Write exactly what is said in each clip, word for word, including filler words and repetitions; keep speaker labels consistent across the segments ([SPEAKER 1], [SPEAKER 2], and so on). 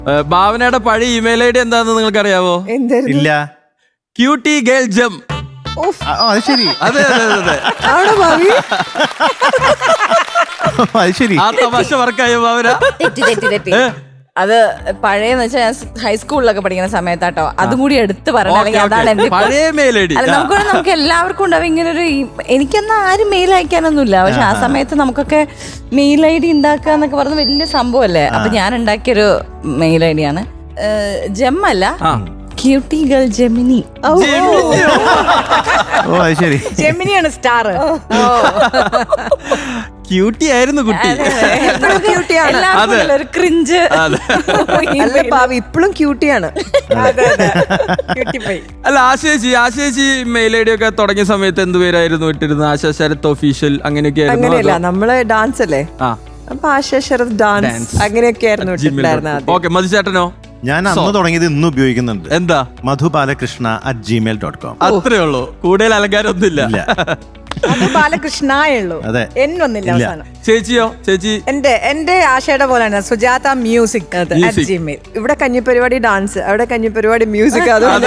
[SPEAKER 1] ഭാവനയുടെ പഴയ email I D എന്താണെന്ന് നിങ്ങൾക്ക് അറിയാവോ?
[SPEAKER 2] ഇല്ല.
[SPEAKER 1] ക്യൂട്ടി ഗേൾ ജം.
[SPEAKER 2] അത് ശരി.
[SPEAKER 1] അതെ അതെ അതെ
[SPEAKER 2] ആണോ ഭാവി? അത് ശരി.
[SPEAKER 1] ആ തമാശ വർക്കായോ ഭാവന?
[SPEAKER 3] തെറ്റി തെറ്റി തെറ്റി അത് പഴയെന്ന് വെച്ചാൽ ഞാൻ ഹൈസ്കൂളിലൊക്കെ പഠിക്കുന്ന സമയത്താട്ടോ അതും കൂടി എടുത്ത് പറഞ്ഞ അതാണ് എന്റെ
[SPEAKER 1] പഴയ മെയിൽ ഐ ഡി.
[SPEAKER 3] അല്ല നമുക്ക് നമുക്ക് എല്ലാവർക്കും ഉണ്ടാവും ഇങ്ങനെ ഒരു എനിക്കെന്നാ ആരും മെയിൽ അയക്കാനൊന്നുമില്ല. പക്ഷെ ആ സമയത്ത് നമുക്കൊക്കെ മെയിൽ ഐ ഡി ഉണ്ടാക്കുക എന്നൊക്കെ പറഞ്ഞ വലിയ സംഭവമല്ലേ. അപ്പൊ ഞാൻ ഉണ്ടാക്കിയൊരു മെയിൽ ഐ ഡി ആണ്. ജെം അല്ല, ക്യൂട്ടി ഗേൾ ജെമിനി.
[SPEAKER 2] ഓ അത് ശരി.
[SPEAKER 4] ജെമിനിയാണ് സ്റ്റാർ.
[SPEAKER 1] ക്യൂട്ടി ആയിരുന്നു കുട്ടി.
[SPEAKER 3] ഒരു ക്രിഞ്ച്.
[SPEAKER 4] അല്ല ഭാവി ഇപ്പോഴും ക്യൂട്ടിയാണ്.
[SPEAKER 1] അല്ല ആശേച്ചി ആശേച്ചി മെയിൽ ഐ ഡി ഒക്കെ തുടങ്ങിയ സമയത്ത് എന്ത് പേരായിരുന്നു ഇട്ടിരുന്നത്? ആശാ ശരത് ഒഫീഷ്യൽ അങ്ങനെയൊക്കെ ആയിരുന്നു?
[SPEAKER 4] അങ്ങനെയല്ല, നമ്മള് ഡാൻസ് അല്ലേ, അപ്പൊ ആശാ ശരത് ഡാൻസ് അങ്ങനെയൊക്കെ ആയിരുന്നു ഇട്ടിട്ടുണ്ടായിരുന്നത്.
[SPEAKER 1] ഓക്കെ, മധുചേട്ടനോ?
[SPEAKER 2] ഞാൻ അന്ന് തുടങ്ങിയത് ഇന്ന് ഉപയോഗിക്കുന്നുണ്ട്.
[SPEAKER 1] എന്താ?
[SPEAKER 2] Madhu Balakrishna at Gmail dot com.
[SPEAKER 1] അത്രേ ഉള്ളൂ, കൂടുതൽ അലങ്കാരം ഒന്നുമില്ല.
[SPEAKER 4] ബാലകൃഷ്ണയുള്ളൂ, എന്നൊന്നില്ല അവസാനം.
[SPEAKER 1] ചേച്ചിയോ? ചേച്ചി
[SPEAKER 4] എന്റെ എന്റെ ആശയുടെ പോലെയാണ് സുജാത മ്യൂസിക് അറ്റ് ജിമെയിൽ. ഇവിടെ കഞ്ഞിപ്പരിപാടി ഡാൻസ്, അവിടെ കഞ്ഞിപ്പരിപാടി മ്യൂസിക്.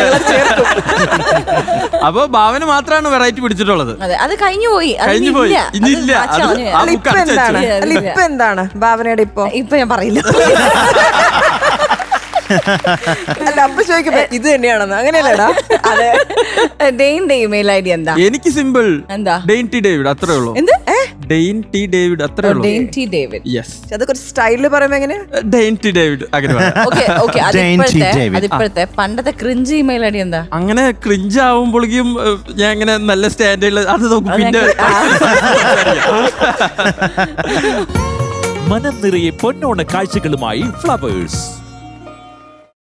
[SPEAKER 1] അപ്പൊ ഭാവന മാത്രമാണ് വെറൈറ്റി പിടിച്ചിട്ടുള്ളത്.
[SPEAKER 3] അത് കഴിഞ്ഞു പോയി,
[SPEAKER 1] കഴിഞ്ഞു പോയി. ഇനിയില്ല.
[SPEAKER 4] ഇപ്പൊ എന്താണ് അല്ല ഇപ്പൊ എന്താണ് ഭാവനയുടെ? ഇപ്പൊ
[SPEAKER 3] ഇപ്പൊ ഞാൻ പറയില്ല.
[SPEAKER 4] അല്ല അപ്പൊ ചോദിക്കുമ്പോ ഇത് തന്നെയാണെന്ന് അങ്ങനെയല്ലടാ.
[SPEAKER 3] അതെ, ഡെയിന്റെ ഇമെയിൽ ഐ ഡി എന്താ?
[SPEAKER 1] എനിക്ക് സിമ്പിൾ.
[SPEAKER 3] എന്താ?
[SPEAKER 1] ഡെയിൻ ടി ഡേവിഡ്, അത്രേ ഉള്ളൂ.
[SPEAKER 3] എന്ത്?
[SPEAKER 1] ഡെയിൻ ടി ഡേവിഡ്, അത്രേ ഉള്ളൂ.
[SPEAKER 3] Dane T David.
[SPEAKER 1] യെസ്.
[SPEAKER 4] അത് കുറച്ച് സ്റ്റൈലില് പറയുമ്പോ എങ്ങനെ?
[SPEAKER 1] ഡെയിൻ ടി ഡേവിഡ് അങ്ങനെ പറയാം.
[SPEAKER 3] Okay okay. അതിപ്പോഴത്തെ അതിപ്പോഴത്തെ പണ്ടത്തെ ക്രിഞ്ച് ഇമെയിൽ ഐ ഡി എന്താ?
[SPEAKER 1] അങ്ങനെ ക്രിഞ്ച് ആവുമ്പോഴേക്കും ഞാൻ ഇങ്ങനെ നല്ല സ്റ്റാൻഡേർഡിൽ അത് നോക്കും. പിന്നെ
[SPEAKER 5] മനം നിറയെ പൊന്നോണ കാഴ്ചകളുമായി ഫ്ലവേഴ്സ്.